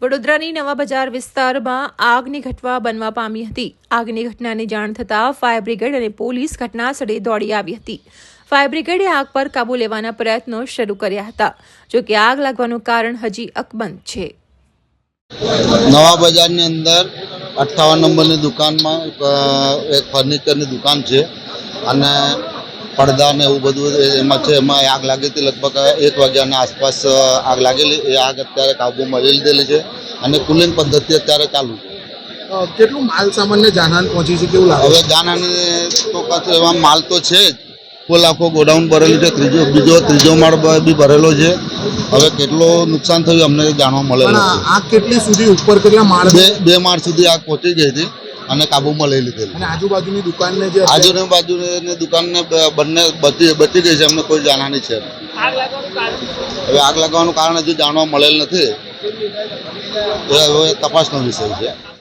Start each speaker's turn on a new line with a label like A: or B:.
A: વડોદરાની નવા બજાર વિસ્તારમાં આગની ઘટના બનવા પામી હતી। આગની ઘટનાની જાણ થતાં ફાયર બ્રિગેડ અને પોલીસ ઘટના સ્થળે દોડી આવી હતી। ફાયર બ્રિગેડે આગ પર કાબૂ લેવાના પ્રયત્નો શરૂ કર્યા હતા, જો કે આગ લાગવાનું કારણ હજી અકબંધ છે।
B: નવા બજારની અંદર 58 નંબરની દુકાનમાં એક ફર્નિચરની દુકાન છે અને પડદા ને એવું બધું એમાં છે। એમાં આગ લાગી હતી, લગભગ 1 વાગ્યાના આસપાસ આગ લાગેલી। એ આગ અત્યારે કાબૂમાં લઈ લીધેલી છે અને કુલિંગ પદ્ધતિ અત્યારે ચાલુ છે।
C: કેટલું માલ સામાનને જાનહાની પહોંચી છે, કેવું લાગે?
B: હવે જાનહાની તો પાછું એમાં માલ તો છે જ, ફૂલ આખો ગોડાઉન ભરેલું છે, ત્રીજો માળ બી ભરેલો છે। હવે કેટલો નુકસાન થયું અમને જાણવા મળે
C: પણ આગ કેટલી સુધી ઉપર, કેટલા માળ?
B: બે માળ સુધી આગ પહોંચી ગઈ હતી અને કાબૂમાં લઈ લીધેલી।
C: અને આજુબાજુની દુકાનને જે
B: આજુબાજુની દુકાનને બંને બચી ગઈ છે, અમને કોઈ જાનહાની છે નહીં। હવે આગ લાગવાનું કારણ હજુ જાણવા મળેલ નથી, એ હવે તપાસનો વિષય છે।